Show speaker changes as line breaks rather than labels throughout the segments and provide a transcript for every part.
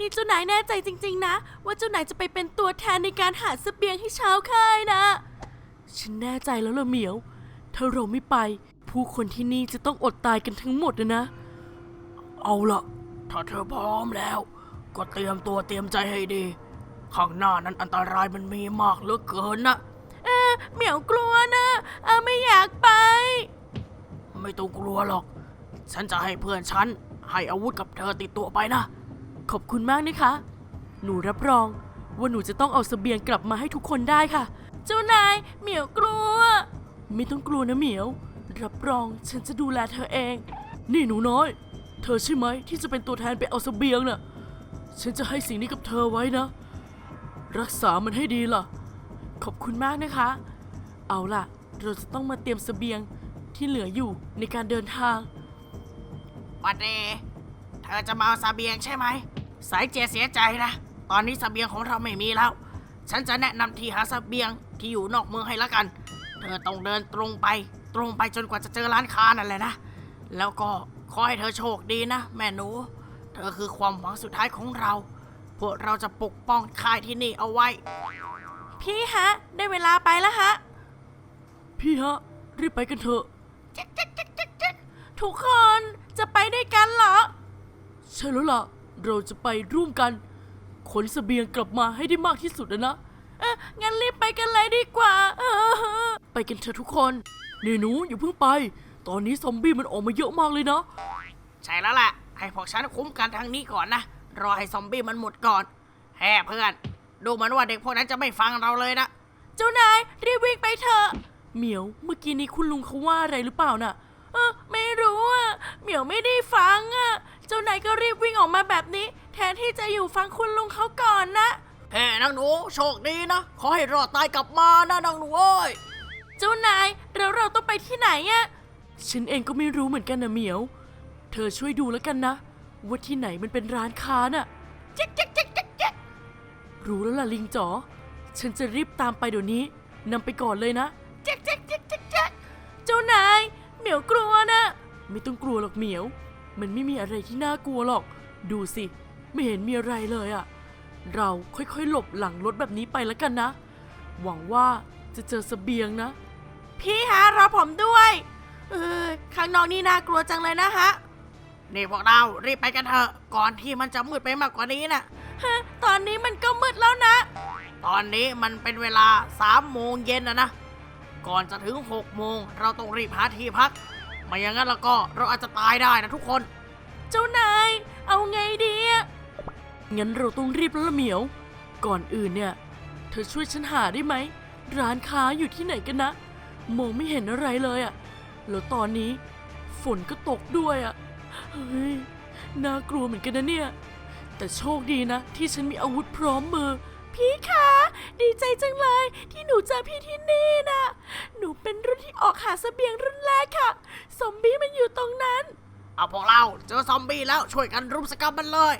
นี่เจ้านายแน่ใจจริงๆนะว่าเจ้านายจะไปเป็นตัวแทนในการหาเสบียงให้ชาวค่ายนะฉันแน่ใจแล้วล่ะเหมียวถ้าเราไม่ไปผู้คนที่นี่จะต้องอดตายกันทั้งหมดนะเอาล่ะถ้าเธอพร้อมแล้วก็เตรียมตัวเตรียมใจให้ดีข้างหน้านั้นอันตรายมันมีมากเหลือเกินนะเหมียวกลัวนะไม่อยากไปไม่ต้องกลัวหรอกฉันจะให้เพื่อนฉันให้อาวุธกับเธอติดตัวไปนะขอบคุณมากนะคะหนูรับรองว่าหนูจะต้องเอาเสบียงกลับมาให้ทุกคนได้ค่ะเจ้านายเหมียวกลัวไม่ต้องกลัวนะเหมียวรับรองฉันจะดูแลเธอเองนี่หนูน้อยเธอใช่ไหมที่จะเป็นตัวแทนไปเอาเสบียงน่ะฉันจะให้สิ่งนี้กับเธอไว้นะรักษามันให้ดีล่ะขอบคุณมากนะคะเอาล่ะเราจะต้องมาเตรียมเสบียงที่เหลืออยู่ในการเดินทางวันเดเธอจะมาเอาเสบียงใช่ไหมสายเจเสียใจนะตอนนี้เสบียงของเราไม่มีแล้วฉันจะแนะนำที่หาเสบียงที่อยู่นอกเมืองให้ละกันเธอต้องเดินตรงไปจนกว่าจะเจอร้านค้านั่นแหละนะแล้วก็ขอให้เธอโชคดีนะแม่หนูเธอคือความหวังสุดท้ายของเราพวกเราจะปกป้องค่ายที่นี่เอาไว้พี่ฮะได้เวลาไปแล้วฮะพี่ฮะรีบไปกันเถอะทุกคนจะไปด้วยกันเหรอใช่แล้วล่ะเราจะไปร่วมกันขนเสบียงกลับมาให้ได้มากที่สุดนะงั้นรีบไปกันเลยดีกว่าไปกันเถอะทุกคนนี่หนูอย่าเพิ่งไปตอนนี้ซอมบี้มันออกมาเยอะมากเลยนะใช่แล้วแหละให้พวกฉันคุ้มกันทางนี้ก่อนนะรอให้ซอมบี้มันหมดก่อนแฮ่เพื่อนดูเหมือนว่าเด็กพวกนั้นจะไม่ฟังเราเลยนะเจ้านายรีบวิ่งไปเถอะเหมียวเมื่อกี้นี้คุณลุงเขาว่าอะไรหรือเปล่าน่ะไม่รู้อ่ะเหมียวไม่ได้ฟังอ่ะเจ้านายก็รีบวิ่งออกมาแบบนี้แทนที่จะอยู่ฟังคุณลุงเขาก่อนนะเฮ้นางหนูโชคดีนะขอให้รอดตายกลับมานะนางหนูเอ้ยเจ้านายเราต้องไปที่ไหนอ่ะฉันเองก็ไม่รู้เหมือนกันนะเหมียวเธอช่วยดูแล้วกันนะว่าที่ไหนมันเป็นร้านค้าน่ะจ๊กรู้แล้วล่ะลิงจ๋อฉันจะรีบตามไปเดี๋ยวนี้นำไปก่อนเลยนะจ๊กเจ้านายเหมียวกลัวนะไม่ต้องกลัวหรอกเหมียวมันไม่มีอะไรที่น่ากลัวหรอกดูสิไม่เห็นมีอะไรเลยอะเราค่อยๆหลบหลังรถแบบนี้ไปแล้วกันนะหวังว่าจะเจอเสบียงนะพี่ฮะรอผมด้วยข้างนอกนี่น่ากลัวจังเลยนะฮะนี่พวกเรารีบไปกันเถอะก่อนที่มันจะมืดไปมากกว่านี้นะตอนนี้มันก็มืดแล้วนะตอนนี้มันเป็นเวลา3 โมงเย็นนะก่อนจะถึง6 โมงเราต้องรีบหาที่พักไม่อย่างนั้นแล้วก็เราอาจจะตายได้นะทุกคนเจ้านายเอาไงดีงั้นเราต้องรีบแล้วละเหมียวก่อนอื่นเนี่ยเธอช่วยฉันหาได้ไหมร้านค้าอยู่ที่ไหนกันนะมองไม่เห็นอะไรเลยอะแล้วตอนนี้ฝนก็ตกด้วยอะเฮ้ยน่ากลัวเหมือนกันนะเนี่ยแต่โชคดีนะที่ฉันมีอาวุธพร้อมมือพี่คะดีใจจังเลยที่หนูเจอพี่ที่นี่นะหนูเป็นรุ่นที่ออกหาเสบียงรุ่นแรกค่ะซอมบี้มันอยู่ตรงนั้นเอาพวกเราเจอซอมบี้แล้วช่วยกันรุมสกัดมันเลย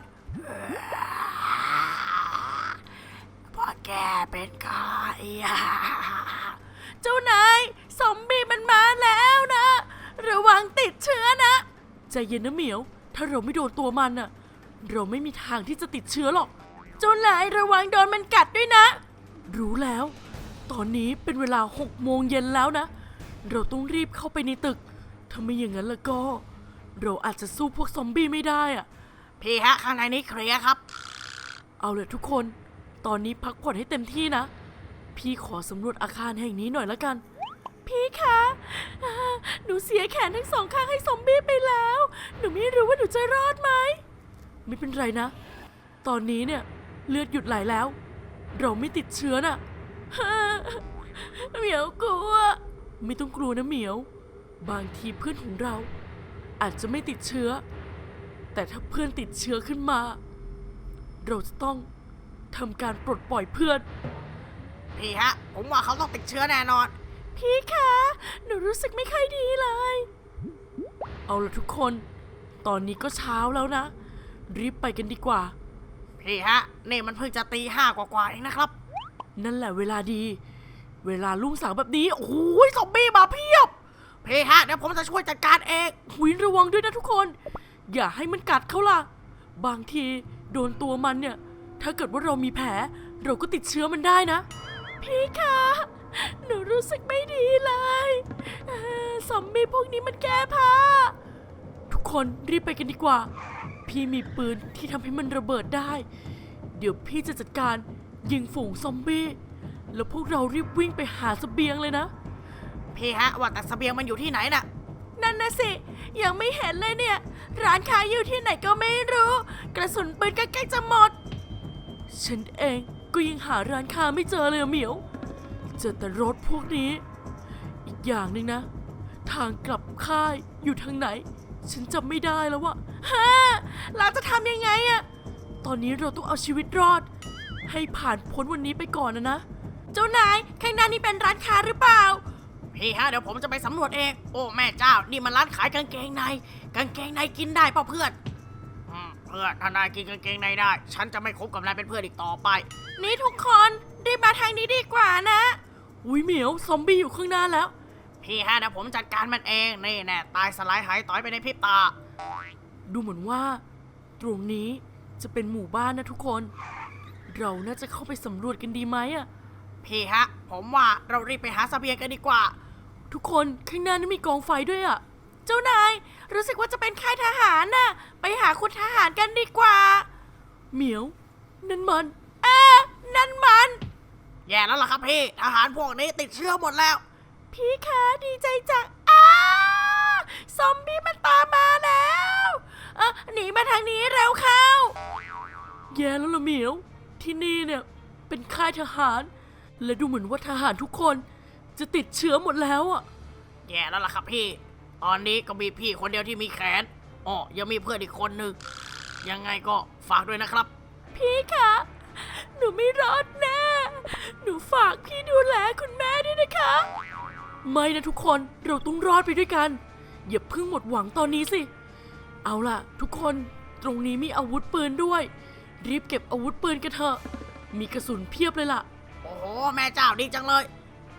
พอแกเป็นใครเจ้านายซอมบี้มันมาแล้วนะระวังติดเชื้อนะใจเย็นนะเหมียวถ้าเราไม่โดนตัวมันน่ะเราไม่มีทางที่จะติดเชื้อหรอกเจ้านายระวังโดนมันกัดด้วยนะรู้แล้วตอนนี้เป็นเวลา6 โมงเย็นแล้วนะเราต้องรีบเข้าไปในตึกถ้าไม่อย่างนั้นแล้วก็เราอาจจะสู้พวกซอมบี้ไม่ได้อะพี่ฮะข้างในนี้เคลียร์ครับเอาเลยทุกคนตอนนี้พักผ่อนให้เต็มที่นะพี่ขอสำรวจอาคารแห่งนี้หน่อยละกันพี่คะหนูเสียแขนทั้งสองข้างให้ซอมบี้ไปแล้วหนูไม่รู้ว่าหนูจะรอดไหมไม่เป็นไรนะตอนนี้เนี่ยเลือดหยุดไหลแล้วเราไม่ติดเชื้อน่ะเหมียวกลัวไม่ต้องกลัวนะเหมียวบางทีเพื่อนของเราอาจจะไม่ติดเชื้อแต่ถ้าเพื่อนติดเชื้อขึ้นมาเราจะต้องทำการปลดปล่อยเพื่อนพี่ฮะผมว่าเขาต้องติดเชื้อแน่นอนพี่คะหนูรู้สึกไม่ค่อยดีเลยเอาละทุกคนตอนนี้ก็เช้าแล้วนะรีบไปกันดีกว่าพี่ฮะนี่มันเพิ่งจะตี 5 กว่าเองนะครับนั่นแหละเวลาดีเวลารุ่งสางแบบนี้โอ้โหซอมบี้มาเพียบพี่ฮะเดี๋ยวผมจะช่วยจัดการเองหุยระวังด้วยนะทุกคนอย่าให้มันกัดเขาล่ะบางทีโดนตัวมันเนี่ยถ้าเกิดว่าเรามีแผลเราก็ติดเชื้อมันได้นะพี่คะหนูรู้สึกไม่ดีเลยซอมบี้พวกนี้มันแก้ผ้าทุกคนรีบไปกันดีกว่าพี่มีปืนที่ทำให้มันระเบิดได้เดี๋ยวพี่จะจัดการยิงฝูงซอมบี้แล้วพวกเรารีบวิ่งไปหาเสบียงเลยนะ
พี่ฮะว่าแต่เสบียงมันอยู่ที่ไหนน่ะ
นั่นนะสิยังไม่เห็นเลยเนี่ยร้านค้าอยู่ที่ไหนก็ไม่รู้กระสุนปืนก็ใกล้จะหมดฉันเองก็ยังหาร้านค้าไม่เจอเลยเหมียวเจอแต่รถพวกนี้อีกอย่างหนึ่งนะทางกลับค่ายอยู่ทางไหนฉันจำไม่ได้แล้ววะเราจะทำยังไงอะตอนนี้เราต้องเอาชีวิตรอดให้ผ่านพ้นวันนี้ไปก่อนนะเจ้านายข้างหน้านี่เป็นร้านค้าหรือเปล่า
พี่ฮะเดี๋ยวผมจะไปสำรวจเองโอ้แม่เจ้านี่มันร้านขายกางเกงในกางเกงในกินได้เปล่าเพื่อนเพื่อนถ้านายกินกางเกงในได้ฉันจะไม่คบกับนายเป็นเพื่อนอีกต่อไป
นี่ทุกคนรีบมาทางนี้ดีกว่านะอุ้ยเหมียวซอมบี้อยู่ข้างหน้าแล้ว
พี่ฮะเดี๋ยวผมจัดการมันเองนี่แน่ตายสลายหายต่อยไปในพริบตา
ดูเหมือนว่าตรงนี้จะเป็นหมู่บ้านนะทุกคนเราน่าจะเข้าไปสำรวจกันดีไหมอะ
พี่ฮะผมว่าเรารีบไปหาเสบียงกันดีกว่า
ทุกคนข้างหน้านี่มีกองไฟด้วยอะเจ้านายรู้สึกว่าจะเป็นค่ายทหารน่ะไปหาคุณทหารกันดีกว่าเหมียวนั่นมันนั่นมัน
แย่แล้วล่ะครับพี่ทหารพวกนี้ติดเชื้อหมดแล้ว
พี่คะดีใจจังซอมบี้มันตามมาแล้วหนีมาทางนี้เร็วเข้าแย่แล้วล่ะเหมียวที่นี่เนี่ยเป็นค่ายทหารและดูเหมือนว่าทหารทุกคนจะติดเชื้อหมดแล้วอ่ะ
แย่แล้วล่ะครับพี่ตอนนี้ก็มีพี่คนเดียวที่มีแขนยังมีเพื่อนอีกคนนึงยังไงก็ฝากด้วยนะครับ
พี่คะหนูไม่รอดแน่หนูฝากพี่ดูแลคุณแม่ด้วยนะคะไม่นะทุกคนเราต้องรอดไปด้วยกันอย่าเพิ่งหมดหวังตอนนี้สิเอาล่ะทุกคนตรงนี้มีอาวุธปืนด้วยรีบเก็บอาวุธปืนกันเถอะมีกระสุนเพียบเลยล่ะ
โอ้โหแม่เจ้าดีจังเลย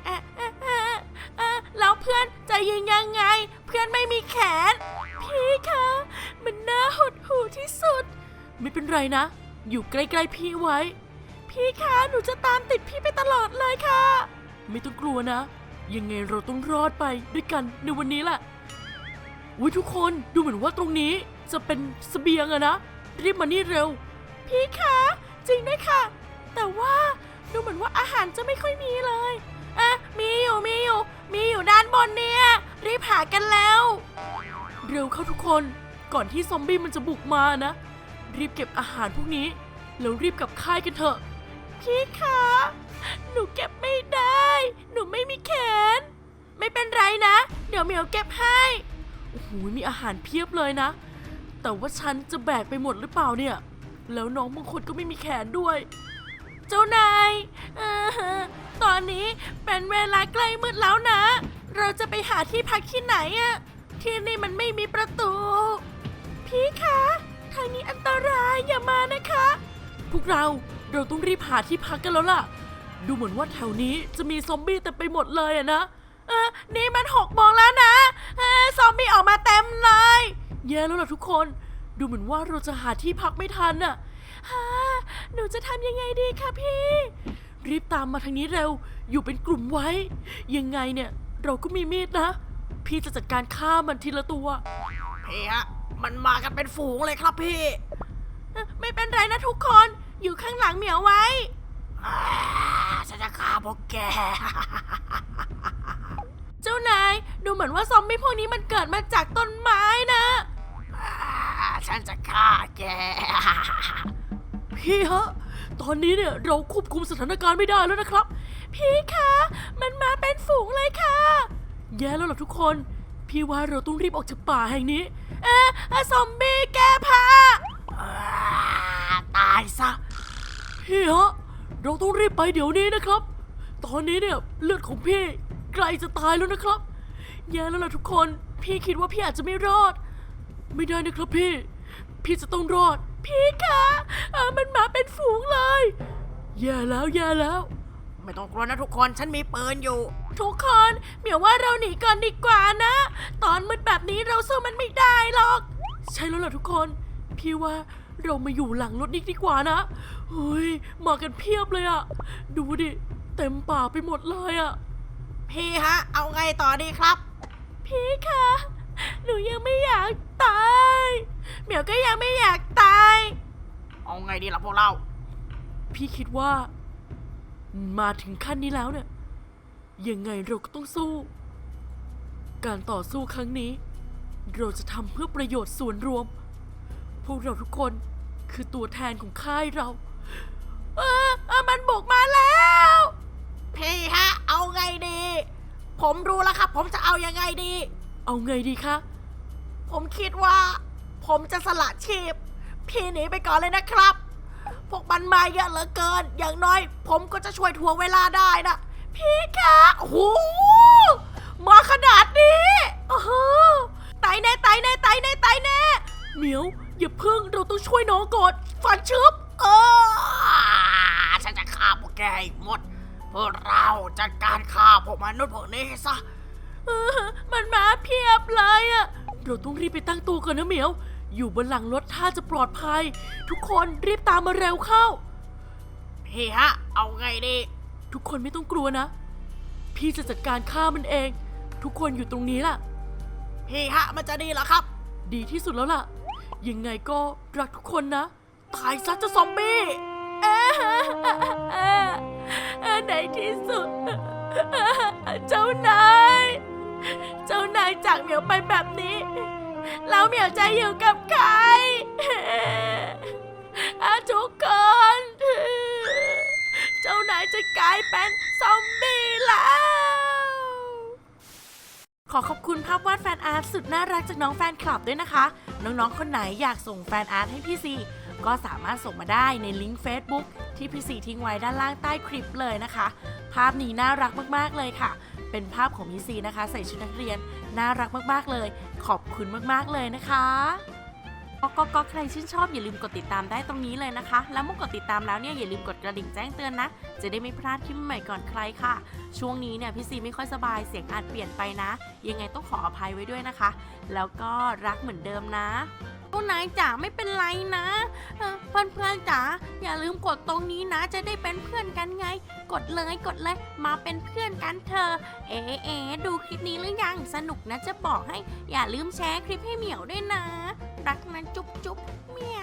แล้วเพื่อนจะยิงยังไงเพื่อนไม่มีแขนพี่คะมันน่าหดหู่ที่สุดไม่เป็นไรนะอยู่ใกล้ๆพี่ไว้พี่คะหนูจะตามติดพี่ไปตลอดเลยค่ะไม่ต้องกลัวนะยังไงเราต้องรอดไปด้วยกันในวันนี้แหละอุ๊ยทุกคนดูเหมือนว่าตรงนี้จะเป็นเสบียงอะนะรีบมานี่เร็วพี่คะจริงด้วยค่ะแต่ว่าดูเหมือนว่าอาหารจะไม่ค่อยมีเลยมีอยู่ด้านบนเนี่ยรีบหากันแล้วเร็วเข้าทุกคนก่อนที่ซอมบี้มันจะบุกมานะรีบเก็บอาหารพวกนี้แล้วรีบกลับค่ายกันเถอะพี่คะหนูเก็บไม่ได้หนูไม่มีแขนไม่เป็นไรนะเดี๋ยวเหมียวเก็บให้โอ้โหมีอาหารเพียบเลยนะแต่ว่าฉันจะแบกไปหมดหรือเปล่าเนี่ยแล้วน้องบางคนก็ไม่มีแขนด้วยเจ้านายตอนนี้เป็นเวลาใกล้มืดแล้วนะเราจะไปหาที่พักที่ไหนอะที่นี่มันไม่มีประตูพี่คะทางนี้อันตรายอย่ามานะคะพวกเราต้องรีบหาที่พักกันแล้วล่ะดูเหมือนว่าแถวนี้จะมีซอมบี้เต็มไปหมดเลยอะนะนี่มัน6 โมงแล้วนะซอมบี้ออกมาเต็มเลยแย่แล้วล่ะทุกคนดูเหมือนว่าเราจะหาที่พักไม่ทันอะหนูจะทำยังไงดีคะพี่รีบตามมาทางนี้เร็วอยู่เป็นกลุ่มไว้ยังไงเนี่ยเราก็มีมีดนะพี่จะจัดการฆ่ามันทีละตัว
พี่ฮะมันมากันเป็นฝูงเลยครับพี่
ไม่เป็นไรนะทุกคนอยู่ข้างหลังเหมียวไว้
ฉันจะฆ่าพวกแก
เจ้านายดูเหมือนว่าซอมบี้พวกนี้มันเกิดมาจากต้นไม้นะ
ฉันจะฆ่าแก
พี่ฮะตอนนี้เนี่ยเราควบคุมสถานการณ์ไม่ได้แล้วนะครับพี่คะมันมาเป็นฝูงเลยค่ะแย่แล้วล่ะทุกคนพี่ว่าเราต้องรีบออกจากป่าแห่งนี้ซอมบี้แก้ผ้า
ตายซะ
พี่ฮะเราต้องรีบไปเดี๋ยวนี้นะครับตอนนี้เนี่ยเลือดของพี่ใกล้จะตายแล้วนะครับแย่แล้วล่ะทุกคนพี่คิดว่าพี่อาจจะไม่รอดไม่ได้นะครับพี่จะต้องรอดพี่คะมันมาเป็นฝูงเลยแย่แล้ว
ไม่ต้องกลัวนะทุกคนฉันมีปืนอยู่
ทุกคนเหมียวว่าเราหนีก่อนดีกว่านะตอนมืดแบบนี้เราสู้มันไม่ได้หรอกใช่แล้วล่ะทุกคนพี่ว่าเรามาอยู่หลังรถนี่ดีกว่านะเฮ้ยมากันเพียบเลยอะดูดิเต็มป่าไปหมดเลยอะ
พี่ฮะ เอาไงต่อดีครับ
พี่คะหนูยังไม่อยากตายเหมียวก็ยังไม่อยากตาย
เอาไงดีล่ะพวกเรา
พี่คิดว่ามาถึงขั้นนี้แล้วเนี่ยยังไงเราก็ต้องสู้ การต่อสู้ครั้งนี้ เราจะทำเพื่อประโยชน์ส่วนรวม พวกเราทุกคนคือตัวแทนของค่ายเรามันบุกมาแล้ว
พี่ฮะ เอาไงดี ผมรู้แล้วครับ ผมจะเอายังไงดี
เอาไงดีคะ
ผมคิดว่า ผมจะสละชีพ พี่หนีไปก่อนเลยนะครับ พวกมันมาเยอะเหลือเกิน อย่างน้อย ผมก็จะช่วยทวงเวลาได้นะ พี่คะโอ้โหมาขนาดนี้โอ้โหตายแน่ตายแน่ตายแน่ตายแน่
เหมียวอย่าเพิ่งเราต้องช่วยน้องก่อน
ฟันชึบฉันจะฆ่าพวกแกให้หมดพวกเราจัดการฆ่าพวกมนุษย์พวกนี้ซะ
มันมาเพียบเลยอะเราต้องรีบไปตั้งตัวก่อนนะเหมียว อยู่บนหลังรถถ้าจะปลอดภัย ทุกคนรีบตามมาเร็วเข้า
พี่ฮะ เอาไงดี
ทุกคนไม่ต้องกลัวนะ พี่จะจัดการฆ่ามันเอง ทุกคนอยู่ตรงนี้ล่ะ
พี่ฮะ มันจะดีเหรอครับ
ดีที่สุดแล้วล่ะ ยังไงก็รักทุกคนนะ
ตายซะเจ้าซอมบี้
ในที่สุด เจ้านาย เจ้านายจากเหมียวไปแบบนี้ แล้วเหมียวจะอยู่กับใคร ทุกคน เจ้านายจะกลายเป็นซอมบี้แล้ว ขอขอบคุณภาพวาดแฟนอาร์ตสุดน่ารักจากน้องแฟนคลับด้วยนะคะ น้องๆคนไหนอยากส่งแฟนอาร์ตให้พี่ซีก็สามารถส่งมาได้ในลิงก์ Facebook ที่พี่ซีทิ้งไว้ด้านล่างใต้คลิปเลยนะคะ ภาพนี้น่ารักมากๆเลยค่ะ เป็นภาพของพี่ซีนะคะใส่ชุดนักเรียนน่ารักมากๆเลย ขอบคุณมากๆเลยนะคะก็ใครชื่นชอบอย่าลืมกดติดตามได้ตรงนี้เลยนะคะ แล้วเมื่อกดติดตามแล้วเนี่ยอย่าลืมกดกระดิ่งแจ้งเตือนนะจะได้ไม่พลาดคลิปใหม่ก่อนใครค่ะ ช่วงนี้เนี่ยพี่ซีไม่ค่อยสบายเสียงอาจเปลี่ยนไปนะ ยังไงต้องขออภัยไว้ด้วยนะคะ แล้วก็รักเหมือนเดิมนะพวกนายจ๋าไม่เป็นไรนะเพื่อนๆจ๋าอย่าลืมกดตรงนี้นะจะได้เป็นเพื่อนกันไง กดเลยมาเป็นเพื่อนกันเถอะดูคลิปนี้หรือยังสนุกนะจะบอกให้อย่าลืมแชร์คลิปให้เหมียวด้วยนะรักนะจุ๊บจุ๊บเหมียว